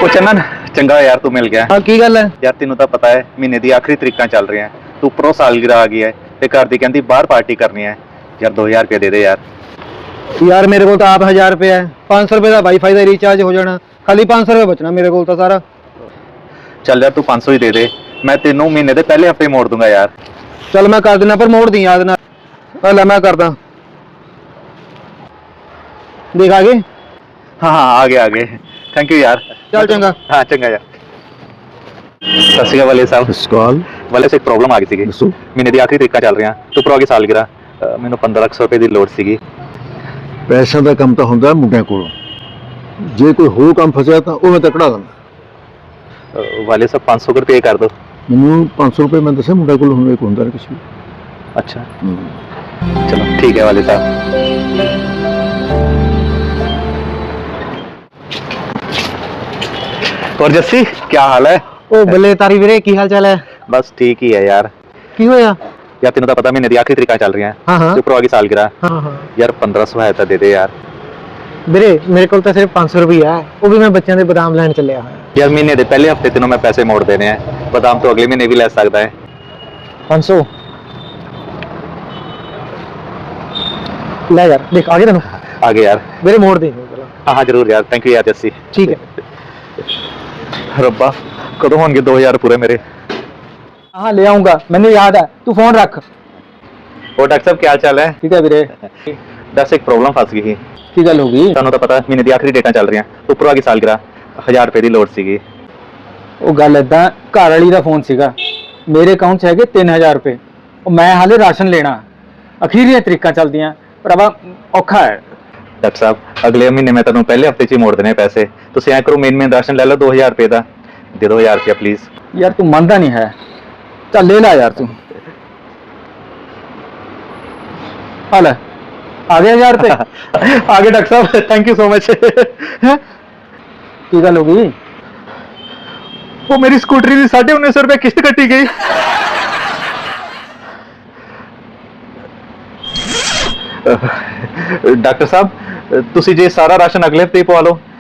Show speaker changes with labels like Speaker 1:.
Speaker 1: ਉਹ ਚੰਨਨ ਚੰਗਾ ਯਾਰ ਤੂੰ ਮਿਲ ਗਿਆ।
Speaker 2: ਹਾਂ ਕੀ ਗੱਲ ਹੈ
Speaker 1: ਯਾਰ ਤੈਨੂੰ ਤਾਂ ਪਤਾ ਹੈ ਮਹੀਨੇ ਦੀ ਆਖਰੀ ਤਰੀਕਾਂ ਚੱਲ ਰਹੀਆਂ, ਤੂੰ ਉੱਪਰੋਂ ਸਾਲਗਿਰਾ ਆ ਗਈ ਹੈ ਤੇ ਘਰ ਦੀ ਕਹਿੰਦੀ ਬਾਹਰ ਪਾਰਟੀ ਕਰਨੀ ਹੈ। ਯਾਰ 2000 ਰੁਪਏ ਦੇ ਦੇ ਯਾਰ।
Speaker 2: ਯਾਰ ਮੇਰੇ ਕੋਲ ਤਾਂ ਆਪ 1000 ਰੁਪਏ ਹੈ, 500 ਰੁਪਏ ਦਾ ਵਾਈਫਾਈ ਦਾ ਰੀਚਾਰਜ ਹੋ ਜਾਣਾ, ਖਾਲੀ 500 ਰੁਪਏ ਬਚਣਾ ਮੇਰੇ ਕੋਲ ਤਾਂ ਸਾਰਾ।
Speaker 1: ਚੱਲ ਯਾਰ ਤੂੰ 500 ਹੀ ਦੇ ਦੇ, ਮੈਂ ਤੈਨੂੰ ਮਹੀਨੇ ਦੇ ਪਹਿਲੇ ਹਫਤੇ ਮੋੜ ਦੂੰਗਾ ਯਾਰ।
Speaker 2: ਚੱਲ ਮੈਂ ਕਰ ਦਿੰਦਾ, ਪਰ ਮੋੜ ਦੀ ਯਾਦ ਨਾਲ। ਲੈ ਮੈਂ ਕਰਦਾ, ਦੇਖ ਆ ਗਏ।
Speaker 1: हाँ हाँ आ गए थैंक यू यार।
Speaker 2: चल चंगा।
Speaker 1: हाँ चंगा यार। सत श्री अकाल वाले साहब।
Speaker 3: ਸਸਕਾਲ
Speaker 1: वाले से एक प्रॉब्लम आ गई थी।
Speaker 3: ਦੱਸੋ।
Speaker 1: महीने ਦੀ ਆਖਰੀ ਤਰੀਕਾਂ ਚੱਲ ਰਹੀਆਂ ਤੇ ਉੱਪਰੋਂ ਆ ਗਈ ਸਾਲਗਿਰਾ, ਮੈਨੂੰ 15 ਲੱਖ ਰੁਪਏ ਦੀ ਲੋੜ ਸੀਗੀ।
Speaker 3: ਪੈਸਿਆਂ ਦਾ ਕੰਮ ਤਾਂ ਹੁੰਦਾ ਮੁੰਡਿਆਂ ਕੋਲੋਂ, ਜੇ ਕੋਈ ਹੋਰ ਕੰਮ ਫਸਿਆ ਤਾਂ ਉਹ ਮੈਂ ਤਾਂ ਕਢਾ ਦਿੰਦਾ।
Speaker 1: ਵਾਲੇ ਸਾਹਿਬ 500 ਰੁਪਏ ਕਰ ਦੋ।
Speaker 3: ਮੈਨੂੰ 500 ਰੁਪਏ ਮੈਂ ਦੱਸਿਆ ਮੁੰਡਿਆਂ ਕੋਲ ਹੁਣ ਇੱਕ ਹੁੰਦਾ ਨਾ ਕਿਸੇ
Speaker 1: अच्छा चलो ठीक है वाले साहब। और जस्सी क्या हाल है?
Speaker 2: ਉਹ ਬੱਲੇ ਤਾਰੀ ਵੀਰੇ, ਕੀ ਹਾਲ ਚਾਲ ਹੈ?
Speaker 1: बस ठीक ही है यार।
Speaker 2: ਕੀ ਹੋਇਆ?
Speaker 1: यार तेन तो पता महीने ਦੀ आखिरी तरीका चल रही हैं,
Speaker 2: हाँ हाँ
Speaker 1: ਤੇ ਉੱਪਰੋਂ ਆ ਗਈ ਸਾਲਗਿਰਾ।
Speaker 2: ਹਾਂ ਹਾਂ
Speaker 1: यार 1500 है तो दे दे यार।
Speaker 2: ਵੀਰੇ ਮੇਰੇ ਕੋਲ ਤਾਂ ਸਿਰਫ 500 ਰੁਪਏ ਹੈ, ਉਹ ਵੀ ਮੈਂ ਬੱਚਿਆਂ ਦੇ ਬਦਾਮ ਲੈਣ ਚੱਲਿਆ ਹੋਇਆ।
Speaker 1: यार महीने ਦੇ ਪਹਿਲੇ ਹਫਤੇ ਤੈਨੂੰ ਮੈਂ ਪੈਸੇ ਮੋੜ ਦੇਣੇ ਆ, ਬਦਾਮ ਤੋਂ ਅਗਲੇ ਮਹੀਨੇ ਵੀ ਲੈ ਸਕਦਾ ਹੈ।
Speaker 2: 500 ਲੈ ਯਾਰ, ਦੇਖ ਆ ਗਏ ਤੈਨੂੰ।
Speaker 1: आगे यार।
Speaker 2: ਵੀਰੇ ਮੋੜ ਦੇ।
Speaker 1: हाँ हाँ जरूर यार, थैंक यू यार जस्सी।
Speaker 2: ਠੀਕ ਹੈ।
Speaker 1: ਰੱਬਾ ਕਦੋਂ ਹੋਣਗੇ 2000 ਪੂਰੇ ਮੇਰੇ।
Speaker 2: ਹਾਂ ਲੈ ਆਉਂਗਾ, ਮੈਨੂੰ ਯਾਦ ਹੈ, ਤੂੰ ਫੋਨ ਰੱਖ।
Speaker 1: ਹੋਰ ਡਾਕਟਰ ਸਾਹਿਬ ਕੀ ਹਾਲ ਚਾਲ ਹੈ?
Speaker 2: ਠੀਕ ਹੈ ਵੀਰੇ।
Speaker 1: ਦੱਸ ਇੱਕ ਪ੍ਰੋਬਲਮ ਫਸ ਗਈ ਸੀ।
Speaker 2: ਕੀ ਗੱਲ ਹੋ ਗਈ?
Speaker 1: ਤੁਹਾਨੂੰ ਤਾਂ ਪਤਾ ਮਹੀਨੇ ਦੀ ਆਖਰੀ ਡੇਟਾਂ ਚੱਲ ਰਹੀਆਂ, ਉੱਪਰੋਂ ਆ ਗਈ ਸਾਲਗਿਰਾ, 1000 ਰੁਪਏ ਦੀ ਲੋੜ ਸੀਗੀ।
Speaker 2: ਉਹ ਗੱਲ ਏਦਾਂ, ਘਰ ਵਾਲੀ ਦਾ ਫੋਨ ਸੀਗਾ, ਮੇਰੇ ਅਕਾਊਂਟ 'ਚ ਹੈਗੇ 3000 ਰੁਪਏ, ਉਹ ਮੈਂ ਹਾਲੇ ਰਾਸ਼ਨ ਲੈਣਾ, ਅਖੀਰੀਆਂ ਤਰੀਕਾਂ ਚੱਲਦੀਆਂ, ਭਰਾਵਾ ਔਖਾ ਹੈ।
Speaker 1: ਡਾਕਟਰ ਸਾਹਿਬ ਅਗਲੇ ਮਹੀਨੇ ਮੈਂ ਤੁਹਾਨੂੰ ਪਹਿਲੇ ਹਫਤੇ 'ਚ ਹੀ ਮੋੜ ਦੇਣੇ ਪੈਸੇ, ਤੁਸੀਂ ਐਂ ਕਰੋ ਮੇਨ ਰਾਸ਼ਨ ਲੈ ਲਓ 2000 ਰੁਪਏ ਦਾ, ਦੇ ਦਿਓ 1000 ਰੁਪਏ ਪਲੀਜ਼।
Speaker 2: ਯਾਰ ਤੂੰ ਮੰਨਦਾ ਨਹੀਂ ਹੈ, ਚੱਲ ਲੈ ਲੈ ਯਾਰ ਤੂੰ। ਆ ਲੈ, ਆ ਗਏ 1000 ਰੁਪਏ।
Speaker 1: ਆ ਗਏ ਡਾਕਟਰ ਸਾਹਿਬ, ਥੈਂਕ ਯੂ ਸੋ ਮਚ।
Speaker 2: ਕੀ ਗੱਲ ਹੋ ਗਈ?
Speaker 1: ਉਹ ਮੇਰੀ ਸਕੂਟਰੀ ਦੀ 1950 ਰੁਪਏ ਕਿਸ਼ਤ ਕੱਟੀ ਗਈ। ਡਾਕਟਰ ਸਾਹਿਬ ਤੁਸੀਂ ਜੇ ਸਾਰਾ ਰਾਸ਼ਨ ਅਗਲੇ ਹਫਤੇ ਹੀ ਪਵਾ ਲਓ